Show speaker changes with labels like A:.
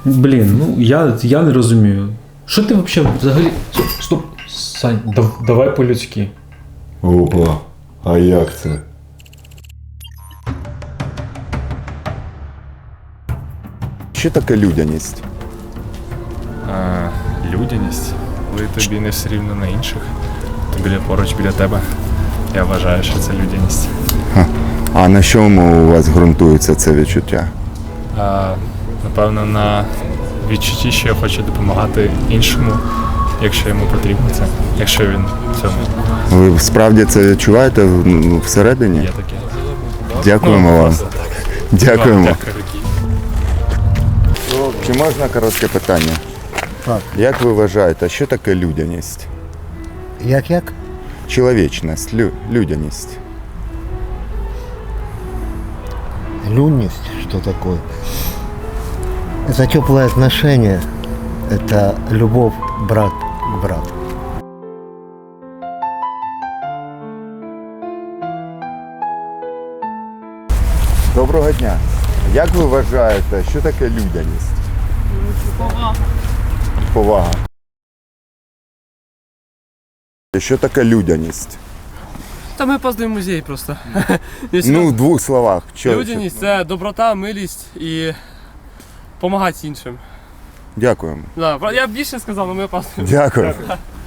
A: Блін, ну я не розумію. Що ти взагалі. Стоп, Сань, давай по-людськи.
B: Опа, а як це? Що таке людяність?
C: Людяність, коли тобі не все рівно на інших, то поруч біля тебе. Я вважаю, що це людяність.
B: А на чому у вас ґрунтується це відчуття?
C: Напевно, на відчутті, що я хочу допомагати іншому, якщо йому потрібно це, якщо він в цьому
B: Ви справді це відчуваєте всередині?
C: є таке.
B: Дякуємо вам.
C: Просто так.
B: Дякуємо.
C: Дякую.
B: Чи можна коротке питання?
D: Так.
B: Як ви вважаєте, що таке людяність?
D: Як?
B: Чоловічність, людяність.
D: Люнность, что такое? Это теплое отношение, это любовь брат к брату.
B: Доброго дня. Як ви вважаєте, що таке людяність?
E: Повага.
B: Повага. Що таке людяність?
F: Та ми поздний музей просто.
B: Ну, в двох словах.
F: Людяність це доброта, милість і допомагати іншим.
B: Дякуємо.
F: Да, я більше сказав, але ми опаздуємо.
B: Дякую.